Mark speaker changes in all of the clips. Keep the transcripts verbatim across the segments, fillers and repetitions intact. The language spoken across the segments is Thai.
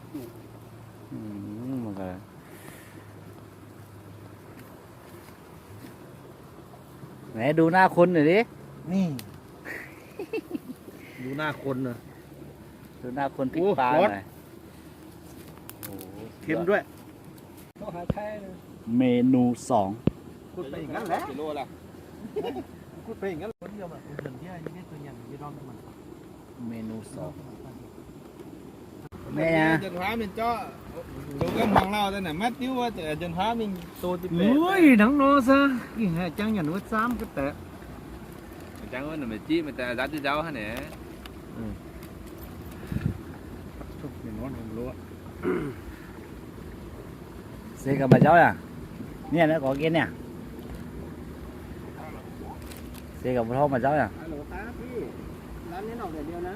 Speaker 1: อืมมันก็ไหนดูหน้าคนหน่อยดิ
Speaker 2: นี่ ดูหน้าคนเนอะ
Speaker 1: ดูหน้าคนพริก
Speaker 2: โอ้
Speaker 1: ปลา
Speaker 2: ร้อน
Speaker 1: หน่อยโอ้โห
Speaker 2: เค็มด้วย
Speaker 3: ต้องหาแท้เลย
Speaker 1: เมนูสอง
Speaker 2: พูดไปอย่างนั้นแหละ
Speaker 3: กิโลละ
Speaker 2: พูดไปอย่างนั้นคนเดียวแบบเดินที่ไอ้นี่ตัวอย่างยี่ร้อนมัน
Speaker 1: เมนูสอง
Speaker 3: แม่จนพาmình cho tôi cái hoàng lao đây này mắt tiêu quá jần phá mình tô tiếp
Speaker 2: ui nắng nó sao cái này chẳng nhận vết xám cái tệ
Speaker 3: chẳng có là mình chi mình ta giá cho cháu hả nè
Speaker 2: chụp mình ngon hơn luôn
Speaker 1: ซื้อกับมาเจ้าอ่ะเนี่ยนะขอกินเนี่ยซื้อกับพ่อมาเจ้าอ่ะ
Speaker 4: ฮัลโหลครับพี่ร้านนี้ออกแต่เดียว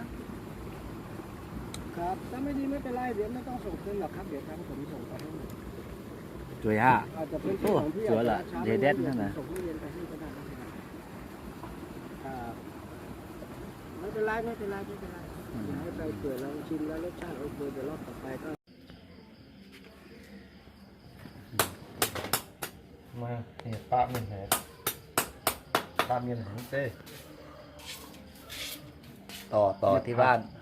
Speaker 4: นะครับถ้าไม่ดีไม่เป็นไรเดี๋ยวไม่ต้องส่งคืนหรอกครับเดี๋ยวทางผมส่งไปให้
Speaker 1: จุ๋ยฮะ
Speaker 4: อาจจะเป็น
Speaker 1: โอ้
Speaker 4: ของพี่
Speaker 1: สวยละ
Speaker 4: อาจ
Speaker 1: เด
Speaker 4: จะ
Speaker 1: เด็ด
Speaker 4: ช้า
Speaker 1: นั่นนะ
Speaker 4: ส่งทุเรียนไปให้ก็ได้นะครับครับไม่เป็นไรไม่เป็นไรไม่เป็นไรให้ไปเปิดลองชิมแล้วรสชาติโอเคเดี๋ยวรอบต่อไปก็
Speaker 2: มาเนี่ยปลาเมียนแหนปลาเมียนแหนเต้
Speaker 1: ต่อต่อที่บ้าน